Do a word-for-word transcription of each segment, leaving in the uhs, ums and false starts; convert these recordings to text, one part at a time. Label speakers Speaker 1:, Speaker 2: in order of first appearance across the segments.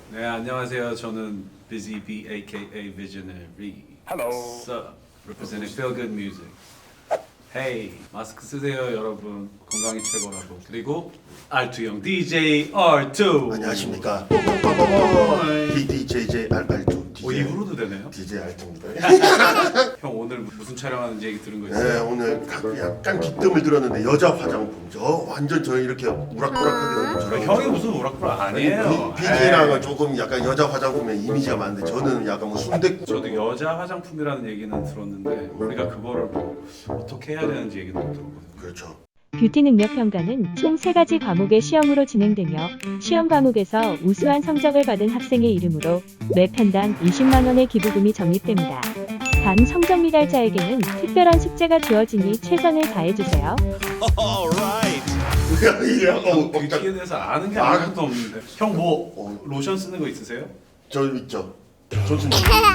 Speaker 1: 네, 안녕하세요. 저는 Busy B aka Visionary.
Speaker 2: Hello.
Speaker 1: So, representing Feel Good Music. Hey, 마스크 쓰세요, 여러분. 건강이 최고라고. 그리고 알투형 디제이 알 투.
Speaker 3: 안녕하십니까. 빠바바바. 디디제이제이알알투.
Speaker 1: 오, 입으로도 되네요.
Speaker 3: 디제이 알투입니다.
Speaker 1: 형 오늘 무슨 촬영하는지 얘기 들은 거
Speaker 3: 네,
Speaker 1: 있어요?
Speaker 3: 오늘 약간 기뜸을 들었는데 여자 화장품. 저 완전 저 이렇게 우락부락하게
Speaker 1: 아,
Speaker 3: 저런
Speaker 1: 형이 무슨 오락부락 아니에요.
Speaker 3: 비니랑은 조금 약간 여자 화장품의 이미지가 많은데 저는 약간 뭐 순대.
Speaker 1: 저도 여자 화장품이라는 얘기는 들었는데 우리가 그거를 뭐 어떻게 해야 되는지 얘기는 못 들었거든요.
Speaker 3: 그렇죠.
Speaker 4: 뷰티 능력 평가는 총 세 가지 과목의 시험으로 진행되며 시험 과목에서 우수한 성적을 받은 학생의 이름으로 매 편당 이십만 원의 기부금이 적립됩니다. 단 성적 미달자에게는 특별한 숙제가 주어지니 최선을 다해주세요.
Speaker 3: 이게 어,
Speaker 1: 뷰티에 대해서 아는 게
Speaker 3: 아.
Speaker 1: 아무것도 없는데 형 뭐
Speaker 3: 어.
Speaker 1: 로션 쓰는 거 있으세요?
Speaker 3: 저 있죠. 존슨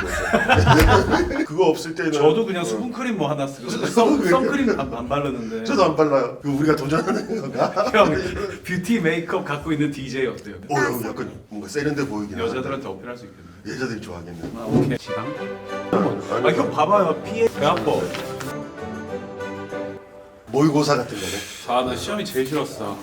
Speaker 3: 그거 없을 때는
Speaker 1: 저도 그냥
Speaker 3: 어.
Speaker 1: 수분크림 뭐 하나 쓰고 선, 선크림 안, 안 바르는데
Speaker 3: 저도 안 발라요. 그 우리가 도전하는 건가?
Speaker 1: 형 뷰티 메이크업 갖고 있는 디제이 어때요?
Speaker 3: 어, 형 약간 뭔가 세련돼 보이긴 하는데.
Speaker 1: 여자들한테 어필할 수 있겠네.
Speaker 3: 여자들이 좋아하겠네.
Speaker 1: 아, 오케이. 지방?
Speaker 3: 아니,
Speaker 1: 아 형 봐봐요. 피해 배 아파.
Speaker 3: 모의고사 같은 거네.
Speaker 1: 아 나 시험이 제일 싫었어.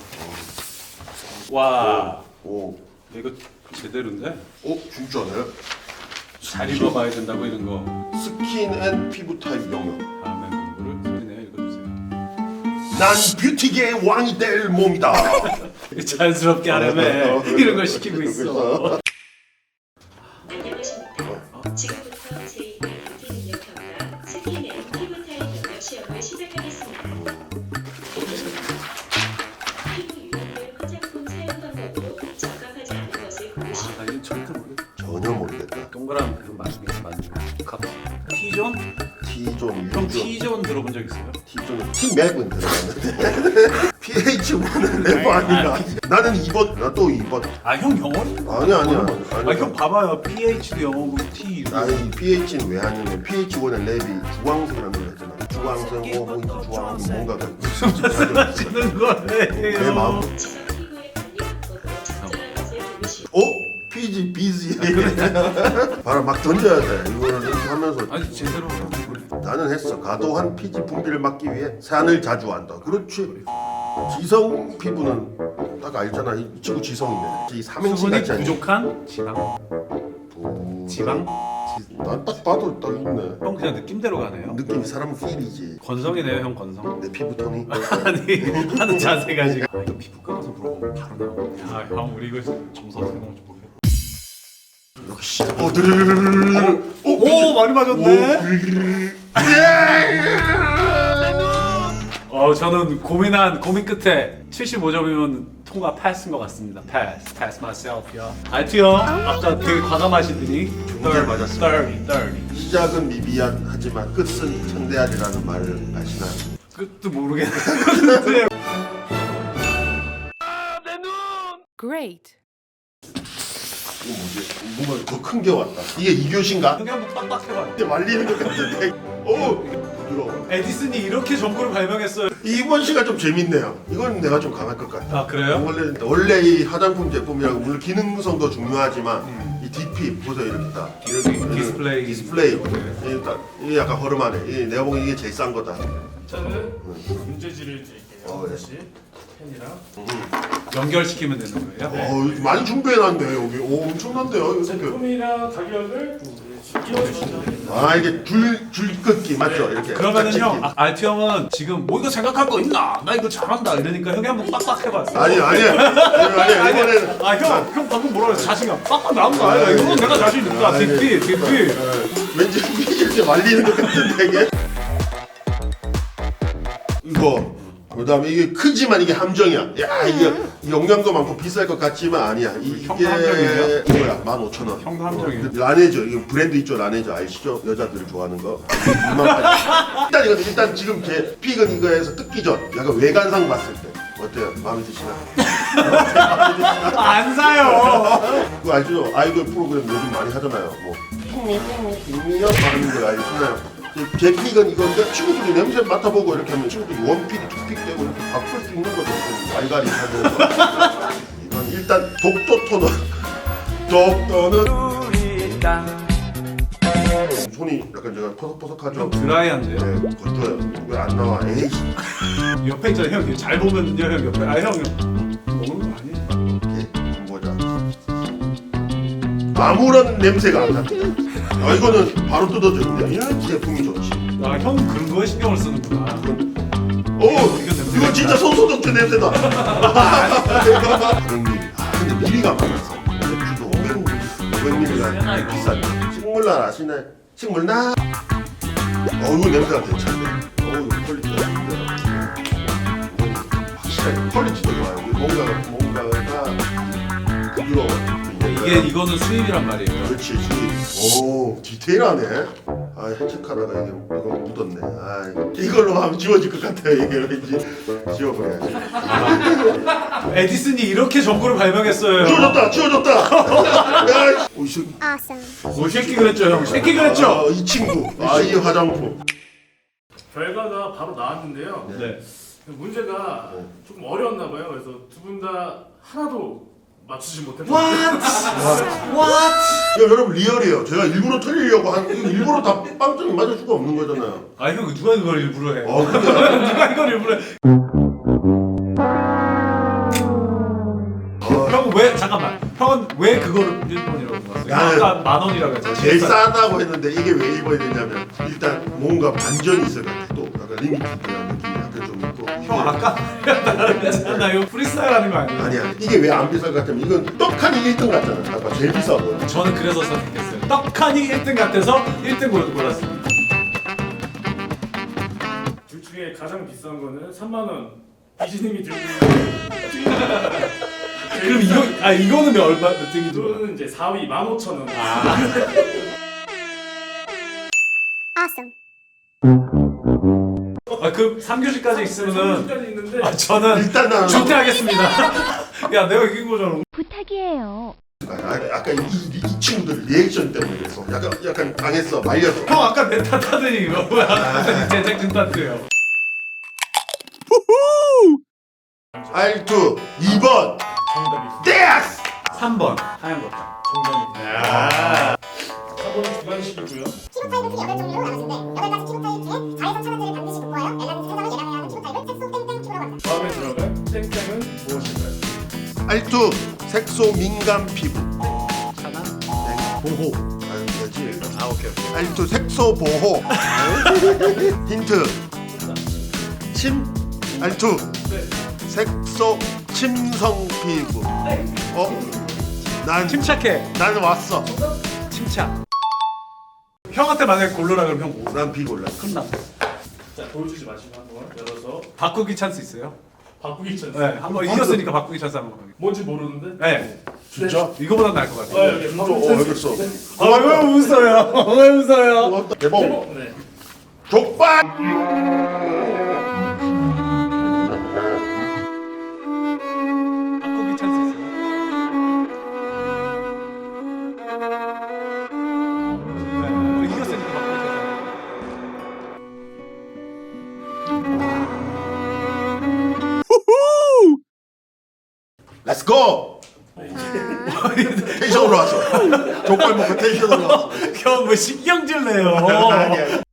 Speaker 1: 와
Speaker 3: 오,
Speaker 1: 이거 제대로인데?
Speaker 3: 오, 진짜네.
Speaker 1: 잘 읽어봐야 된다고 이런 거.
Speaker 3: 스킨 앤 피부 타입 영역.
Speaker 1: 다음에 공부를 소리내요 읽어주세요.
Speaker 3: 난 뷰티계의 왕이 될 몸이다.
Speaker 1: 자연스럽게 하려면 이런 걸 시키고 있어.
Speaker 5: 안녕하십니까. 지금부터 제이 뷰티 능력 평가 스킨 앤 피부 타입 영역 시험을 시작하겠습니다. 피부 유형별 화장품 사용 방법으로 적합하지 않은 것을 고르시오.
Speaker 1: 아, 나 이거 절대 모르겠어.
Speaker 3: 전혀 모르겠다.
Speaker 1: 동그란 그 맞는 맞는 거. T존?
Speaker 3: T존,
Speaker 1: 형
Speaker 3: U존.
Speaker 1: T존 들어본 적 있어요?
Speaker 3: T존은 T맵은 들어갔는데 피에이치원은 랩 아닌가? 나는 이 번, 나 또 이 번.
Speaker 1: 아 형 영어니?
Speaker 3: 아니야, 아니야.
Speaker 1: 아 형 봐봐요. 피에이치도 영어고 T.
Speaker 3: 아니 피에이치는 왜 하냐면 피에이치원의 랩이 주황색이라는 걸 했잖아. 주황색, 어, 뭐 이렇게 주황 뭔가가
Speaker 1: 하시는 거예요.
Speaker 3: 내 마음.
Speaker 5: 지성 피부의 관리 방법으로 적절한 것을 고르시오.
Speaker 3: 어? 피지 비지. 바로 막 던져야 돼. 이거를 이렇게 하면서.
Speaker 1: 아니 제대로.
Speaker 3: 나는 했어. 과도한 피지 분비를 막기 위해 산을 자주 한다. 그렇지. 지성 피부는 딱 알잖아. 이 친구 지성이네. 이 삼행시
Speaker 1: 수분이
Speaker 3: 같지 않니?
Speaker 1: 부족한 지방.
Speaker 3: 오,
Speaker 1: 지방?
Speaker 3: 난 딱 봐도 딱 있네.
Speaker 1: 형 그냥 느낌대로 가네요.
Speaker 3: 느낌이 사람은 필이지.
Speaker 1: 건성이네요 형 건성.
Speaker 3: 내 피부 톤이.
Speaker 1: 아니 하는 자세가 지금. 아, 이거 피부과 가서 물어보면 바로 나오네. 야형 우리 이거 점수 어떻게 나올지 모르겠어.
Speaker 3: 역시. 어, 드르르르르르.
Speaker 1: 오 많이 맞았네. 어 저는 고민한 고민 끝에 칠십오 점이면 통과 패스인 것 같습니다. 패스, 패스 myself 야. 알트 형 아까 되게 과감하시더니
Speaker 3: 정말 맞았습니다.
Speaker 1: thirty, thirty.
Speaker 3: 시작은 미비한 하지만 끝은 천대하리라는 말을 아시나요?
Speaker 1: 끝도 모르겠는데.
Speaker 6: Great.
Speaker 3: 이거 뭐지? 뭔가 더 큰 게 왔다. 이게 이 교시인가?
Speaker 1: 그게 한번 빡빡해봐.
Speaker 3: 이제 말리는 것 같은데. 오, 부드러워.
Speaker 1: 에디슨이 이렇게 전구를 발명했어요.
Speaker 3: 이번 시가 좀 재밌네요. 이건 내가 좀 강할 것 같아.
Speaker 1: 아 그래요?
Speaker 3: 원래 원래 이 화장품 제품이라고 물론 기능성도 중요하지만 이 디피 보세요 이렇게 딱
Speaker 1: 이렇게
Speaker 3: 이렇게
Speaker 1: 디스플레이.
Speaker 3: 디스플레이
Speaker 1: 네.
Speaker 3: 이게 딱 이게 약간 허름하네. 이 내가 보기엔 이게 제일 싼 거다.
Speaker 2: 저는 문제지를 드릴게요.
Speaker 3: 어, 네.
Speaker 2: 다시 펜이랑
Speaker 1: 연결시키면 되는 거예요?
Speaker 3: 어 많이 준비해놨네 여기. 오 엄청난데요 이거 생각.
Speaker 2: 제품이랑 가격을 끼워주시면 됩니다.
Speaker 3: 아 이게 줄 줄긋기 맞죠? 이렇게.
Speaker 1: 그러면은
Speaker 3: 짝짓기.
Speaker 1: 형 아, 알트 형은 지금 뭐 이거 생각할 거 있나? 나 이거 잘한다 이러니까 형이 한번 빡빡 해봐.
Speaker 3: 아니 아니 아니 아니 이번에는
Speaker 1: 아 형 형 방금 뭐라 그랬어? 자신감 빡빡 나온 거 아니야? 이건 내가 자신 있다.
Speaker 3: 아니,
Speaker 1: 딥비 딥비.
Speaker 3: 왠지 이렇게 말리는 것 같은데 이게. 이거 그다음에 이게 크지만 이게 함정이야. 야 이게 영양도 많고 비쌀 것 같지만 아니야. 이-
Speaker 1: 형도
Speaker 3: 이게
Speaker 1: 함정이에요?
Speaker 3: 이거야 만 오천 원.
Speaker 1: 형도 함정이에요?
Speaker 3: 라네죠. 이거 브랜드 있죠 라네죠 아시죠? 여자들이 좋아하는 거. 일단 이거 일단 지금 제 픽은 이거에서 뜯기 전 약간 외관상 봤을 때 어때요? 마음에 드시나요?
Speaker 1: 안 사요.
Speaker 3: 그거 알죠? 아이돌 프로그램 요즘 많이 하잖아요. 뭐 핑미 핑미 핑미요 하는 거 알잖아요. 제 픽은 이건데 친구들이 냄새 맡아보고 이렇게 하면 친구들이 원픽, 투픽 되고 이렇게 바꿀 수 있는 거죠. 좀 알갈이 하는 거. 이건 일단 독도 토너 뚝뚝 떠는 손이 약간 제가 퍼석퍼석하죠?
Speaker 1: 좀 드라이한데요?
Speaker 3: 네, 건조해요. 왜 안 나와? 에이.
Speaker 1: 옆에 있잖아요 형. 잘 보면요 형 옆에. 아 형 먹는 거 아니에요?
Speaker 3: 이렇게 보자. 아무런 냄새가 안 납니다. 아, 이거는 바로 뜯어져요. 그냥 이런 제품이 좋지.
Speaker 1: 아 형 그런 거에 신경을 쓰는구나.
Speaker 3: 오, 이거 진짜 손소독제 냄새다. 오백 밀리리터. 아, 근데 밀리가 많았어. 맥주도 오백 밀리리터가 비싸죠. 식물날 아시네? 식물날. 어, 이거 냄새가 괜찮네. 어, 이거 퀄리티가 좋은데. 확실하게 퀄리티도 좋아요. 뭔가가 뭔가가 부드러워.
Speaker 1: 이게 이거는 수입이란 말이에요.
Speaker 3: 그렇지, 수입. 오, 디테일하네. 아, 해체카라가 이게 이거 묻었네. 아, 이걸로 하면 지워질 것 같아요. 이게 왠지 지워버려야지.
Speaker 1: 에디슨이 이렇게 전구를 발명했어요.
Speaker 3: 지워졌다, 지워졌다. 야, 오, 이 새끼.
Speaker 1: 뭐 새끼 그랬죠 형. 새끼 그랬죠.
Speaker 3: 아, 이 친구. 아, 이 화장품.
Speaker 2: 결과가 바로 나왔는데요.
Speaker 1: 네.
Speaker 2: 문제가
Speaker 3: 네.
Speaker 2: 조금 어려웠나 봐요. 그래서 두 분 다 하나도 맞추지 못했어요.
Speaker 3: 야, 여러분 리얼이에요. 제가 일부러 틀리려고 한 이거 일부러 다 빵점이 맞을 수가 없는 거잖아요.
Speaker 1: 아 형 누가 이걸 일부러 해?
Speaker 3: 어, 근데
Speaker 1: 누가 이걸 일부러 해? 형 왜 잠깐만. 형은 왜 그거를 일 번이라고 봤어요?
Speaker 3: 나는
Speaker 1: 아까 만 원이라고 했잖아.
Speaker 3: 제일 싸다고 했는데 이게 왜 일 번이 됐냐면 일단 뭔가 반전이 있을 것 같아. 또 약간 리미티드한 느낌이 약간 좀 있고.
Speaker 1: 형 아까 나요 프리스타일 하는 거 아니에요?
Speaker 3: 아니야. 이게 왜 안 비쌀 것 같으면 이건 떡하니 일 등 같잖아. 아까 제일 비싸고.
Speaker 1: 저는 그래서 선택했어요. 떡하니 일 등 같아서 일 등 골랐습니다.
Speaker 2: 둘 중에 가장 비싼 거는 삼만 원. 이진님이 들고 있는
Speaker 1: 그럼 이거 아 이거는 얼마 몇 등이 들어?
Speaker 2: 이거는 이제 사 위 만 오천 원.
Speaker 1: 아그 삼 교시까지 있으면은
Speaker 2: 까지 있는데
Speaker 1: 아 저는
Speaker 3: 일단 나는
Speaker 1: 중퇴하겠습니다. 야 내가 이긴 거잖아.
Speaker 4: 부탁이에요.
Speaker 3: 아, 아까 이, 이, 이 친구들 리액션 때문에 그래서 약간 약간 당했어. 말렸어.
Speaker 1: 형 아까 내 탓하더니 이거 뭐야? 제작진 탓이에요.
Speaker 3: 알투 이 번.
Speaker 2: 정답이
Speaker 3: 떼스.
Speaker 1: 삼 번 하얀 거다.
Speaker 2: 정답입니다. 사 번은 주관식이고요.
Speaker 7: 피부 타입을 크게 여덟 종류로 나누는데 여덟 가지 피부 타입 중에 자외선 차단제를 반드시 복구하여 엘라는 세상을 예방해야 하는 피부 타입을 색소 땡땡 피부라고 합니다.
Speaker 2: 다음에 들어갈 땡땡은 무엇일까요?
Speaker 3: 알투 색소 민감 피부.
Speaker 1: 차단
Speaker 3: 보호. 아유 되지.
Speaker 1: 아 오케이 오케이.
Speaker 3: 알투 색소 보호. 힌트. 침. 알투.
Speaker 2: 네.
Speaker 3: 색소 침성 피부. 어? 난
Speaker 1: 침착해.
Speaker 3: 난 왔어.
Speaker 1: 침착. 형한테 만약에 고르라 그러면 형 뭐?
Speaker 3: 난 비골라.
Speaker 1: 끝나.
Speaker 2: 자 보여주지 마시고 한번 열어서
Speaker 1: 바꾸기 찬스 있어요?
Speaker 2: 바꾸기 전.
Speaker 1: 네. 한번 이겼으니까 바꾸기 찬스 한번 가게.
Speaker 2: 뭔지 모르는데.
Speaker 1: 네.
Speaker 3: 진짜?
Speaker 1: 이거보다 나을 것
Speaker 2: 아
Speaker 1: 같아요.
Speaker 2: 여기
Speaker 3: 진짜?
Speaker 2: 바꾸기
Speaker 3: 어,
Speaker 2: 찬스.
Speaker 3: 알겠어.
Speaker 2: 네.
Speaker 1: 아왜 웃어요? 왜 웃어요?
Speaker 3: 고맙다. 대박.
Speaker 2: 네.
Speaker 3: 족발.
Speaker 1: 바꾸기 찬스 있어요? 네. 이겼으니까 바꾸기 찬스.
Speaker 3: 렛츠 고. 텐션으로 왔어. 족발 먹고 텐션으로 왔어.
Speaker 1: 형뭐 신경질 내요.
Speaker 3: 아니야.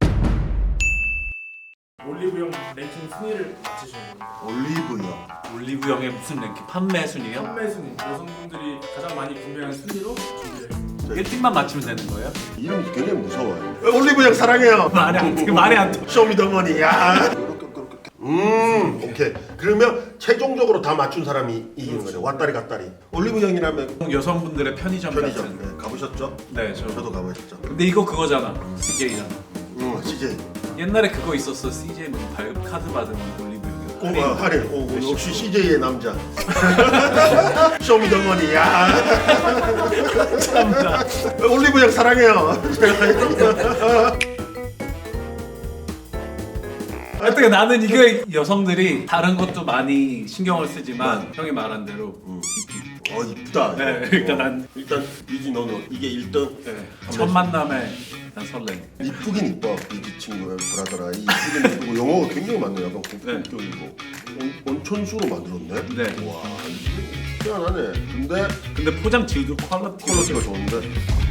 Speaker 2: 올리브영 랭킹 순위를 맞히시는 겁니다.
Speaker 3: 올리브요.
Speaker 1: 올리브영의 무슨 랭킹? 판매 순위요?
Speaker 2: 판매 순위, 여성분들이 가장 많이 구매한 순위로 준비했습니다.
Speaker 1: 일 팀만 맞추면 되는 거예요?
Speaker 3: 이름이 굉장히 무서워요. 올리브영 사랑해요.
Speaker 1: 말이 안 돼. 말이 안 돼.
Speaker 3: 쇼미더머니. 야. 음, 오케이. 그러면 최종적으로 다 맞춘 사람이 이기는 거죠. 왔다리 갔다리. 올리브영이라면
Speaker 1: 여성분들의 편의점,
Speaker 3: 편의점.
Speaker 1: 같은.
Speaker 3: 네, 가보셨죠?
Speaker 1: 네, 저.
Speaker 3: 저도 가보셨죠.
Speaker 1: 근데 이거 그거잖아. 씨제이잖아.
Speaker 3: 음, 씨제이.
Speaker 1: 옛날에 그거 있었어. 씨제이 뭐 발 카드 받은 올리브영.
Speaker 3: 오, 아, 할인. 오, 오, 역시 씨제이의 남자. 쇼미더머니. 야.
Speaker 1: 참다.
Speaker 3: 올리브영 사랑해요.
Speaker 1: 하여튼 나는 이게 여성들이 다른 것도 많이 신경을 쓰지만 형이 말한 대로 티피.
Speaker 3: 어, 이쁘다.
Speaker 1: 네,
Speaker 3: 이거.
Speaker 1: 일단
Speaker 3: 어.
Speaker 1: 난
Speaker 3: 일단 유진 너는 이게 일 등.
Speaker 1: 네, 첫 만남에 약간 설레.
Speaker 3: 이쁘긴 이뻐 이 친구의 브라더라. 이쁘긴 이쁘고 영어가 굉장히 많네. 약간 고품격이고 온- 온천수로 만들었네.
Speaker 1: 네.
Speaker 3: 와 이게 희한하네. 근데
Speaker 1: 근데 포장 질도 퀄리티
Speaker 3: 퀄리티가 좋은데.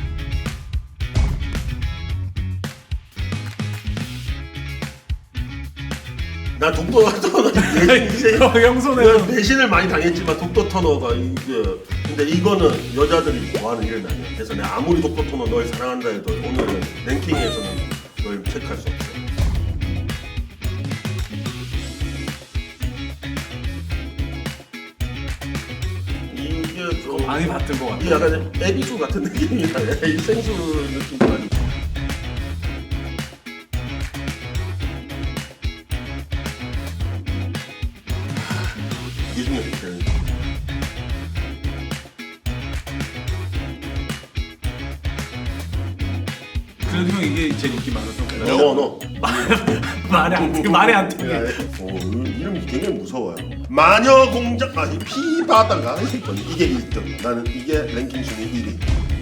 Speaker 3: 나 독도 터너 이제
Speaker 1: 형 손에는
Speaker 3: 배신을 많이 당했지만 독도 터너가 이게 근데 이거는 여자들이 좋아하는 일은 아니야. 그래서 내가 아무리 독도 터너 널 사랑한다 해도 오늘은 랭킹에서는 널 체크할 수 없어. 이게 좀
Speaker 1: 많이 받은 것 같아.
Speaker 3: 이게 약간 에비수 같은 느낌이야. 이 생수 느낌도 아니고. 이게 중요해.
Speaker 1: 그래도 형 이게 제 인기 많아서 그래요.
Speaker 3: 너 너.
Speaker 1: 말이 안 돼. 말이 안 돼.
Speaker 3: 어, 이름이 굉장히 무서워요. 마녀 공작 아니 피바다가 이게 일 등. 나는 이게 랭킹 순위 일 위.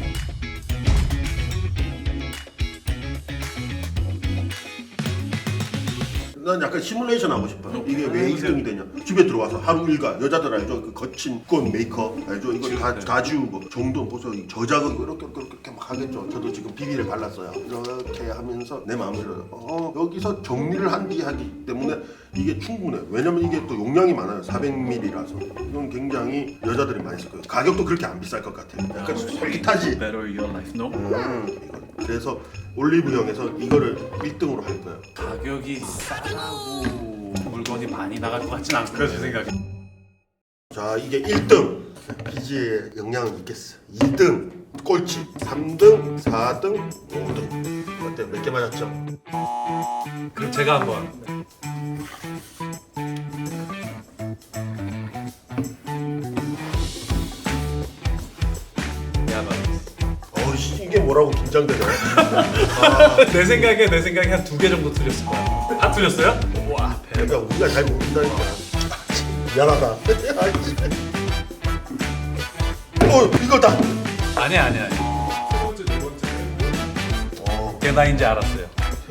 Speaker 3: 난 약간 시뮬레이션 하고 싶어. 이게 왜 일 등이 되냐? 집에 들어와서 하루 일과 여자들 알죠? 그 거친 꽃 메이크업 알죠? 이거 다, 다 지우고 정돈 보소 저작은 이렇게 이렇게 이렇게 막 하겠죠. 저도 지금 비비를 발랐어요. 이렇게 하면서 내 마음대로 어, 여기서 정리를 한 뒤 하기 때문에 이게 충분해. 왜냐면 이게 또 용량이 많아요. 사백 밀리리터라서 이건 굉장히 여자들이 많이 쓸 거예요. 가격도 그렇게 안 비쌀 것 같아. 약간 솔깃하지.
Speaker 1: Better your life, no?
Speaker 3: 음, 이거. 그래서 올리브영에서 이거를 일 등으로 할 거예요.
Speaker 1: 가격이 싸고 물건이 많이 나갈 것 같진 않고요, 제 생각에.
Speaker 3: 자 이게 일 등 피지에 영향은 있겠어. 이 등 꼴찌, 삼 등, 사 등, 오 등. 어때? 몇 개 맞았죠?
Speaker 1: 그럼 제가 한번. 야, 봐.
Speaker 3: 어이씨 이게 뭐라고 긴장되네.
Speaker 1: 내 생각에 내 생각에 한 두 개 정도 틀렸을 거야. 다 틀렸어요? 와,
Speaker 3: 그러니까 우리가 잘 모른다니까. 미안하다. 아이씨. 어 이거다.
Speaker 1: 아니야, 아니야, 아니야.
Speaker 2: 세 번째, 네 번째.
Speaker 3: 어,
Speaker 1: 걔 나인지 알았어요.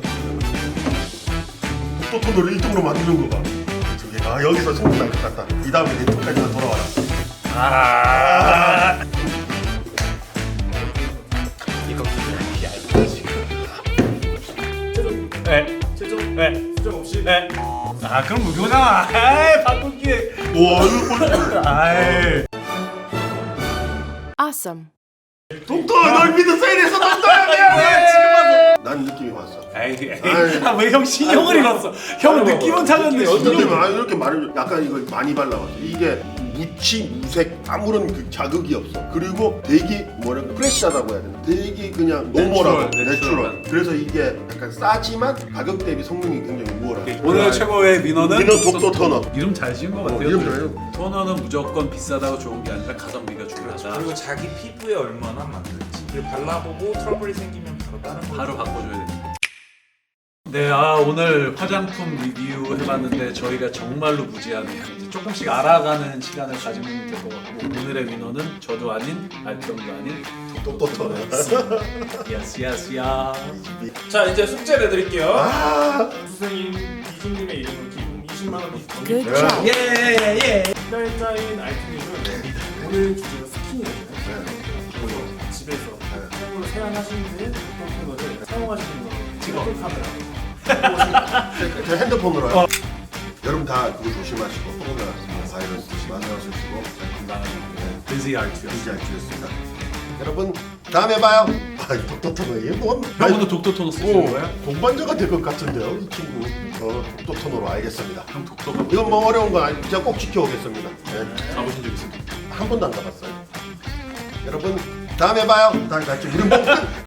Speaker 3: 또 돈을 일 등으로 만드는 거가. 저게 아 여기서 승부날 것 같다. 이 다음에 내 등까지 다 돌아와라.
Speaker 1: 아, 이거 그냥 얇다 지금.
Speaker 2: 최종,
Speaker 1: 네,
Speaker 2: 최종,
Speaker 1: 네,
Speaker 2: 수정 없이.
Speaker 1: 네. 아, 그럼 무효잖아. 에이, 바꿀게.
Speaker 3: 와 이거 꼴찌.
Speaker 1: 아이.
Speaker 6: Awesome.
Speaker 3: 독도 널 믿었어 이래서 독도야 미안해 지금 와서. 난 느낌이 왔어.
Speaker 1: 에이, 에이.
Speaker 3: 아이.
Speaker 1: 아, 왜 형 신용을 잃었어? 형 느낌은 찾았는데
Speaker 3: 근데
Speaker 1: 신용.
Speaker 3: 아, 이렇게 말을 약간 이걸 많이 발라봤어. 이게 무치 무색 아무런 그 자극이 없어. 그리고 되게 뭐랄까 프레시하다고 해야 되나? 되게 그냥 노멀하고
Speaker 1: 내추럴,
Speaker 3: 내추럴. 그래서 이게 약간 싸지만 가격 대비 성능이 굉장히 우월하고.
Speaker 1: 오늘 최고의 위너는
Speaker 3: 위너 독도 터너.
Speaker 1: 이름 잘 지은 것
Speaker 3: 어,
Speaker 1: 같아요.
Speaker 3: 이름 잘해요.
Speaker 1: 토너는 무조건 비싸다고 좋은 게 아니라 가성비가 중요하다.
Speaker 8: 그리고 자기 피부에 얼마나 맞는지 그리고 발라보고 트러블이 생기면 바로 다른 거
Speaker 1: 바로 바꿔줘야 됩니다. 네, 아 오늘 화장품 리뷰 해봤는데 저희가 정말로 무지하네요. 이제 조금씩 알아가는 시간을 가지면 될 것 같고 오늘의 위너는 저도 아닌 알평도 아닌
Speaker 3: 독도 터너.
Speaker 1: 야스 야스 야.
Speaker 8: 자 이제 숙제를 해드릴게요.
Speaker 3: 아,
Speaker 2: 수생인 이준님의 이름을 기본 이십만 원이 더
Speaker 6: Good
Speaker 3: 야.
Speaker 6: job.
Speaker 1: 예 예.
Speaker 2: 기다리자인 아이템은 오늘 주제가 스킨이잖아요. 그래서 집에서 사용으로 세안하시는 데 어떤 거를 사용하시는 거 찍어 카메라.
Speaker 3: 저 핸드폰으로 요 여러분 다 그거 조심하시고 코로나 바이러스 조심하시고
Speaker 1: 건강한 비지 알투.
Speaker 3: 이제 알겠습니다. 여러분 다음에 봐요. 아, 이 독도 터너 얘 뭔?
Speaker 1: 형도 독도 토너 쓰시는 거예요?
Speaker 3: 어, 동반자가 될 것 같은데요, 이 친구. 어, 독도 터너로 알겠습니다.
Speaker 1: 형 독도가
Speaker 3: 이건 뭐 어려운 거 아니고 제가 꼭 지켜오겠습니다. 네.
Speaker 1: 가보신 적 있습니까?
Speaker 3: 한 번도 안 가봤어요. 여러분 다음에 봐요. 다음에 같이 우리 뭐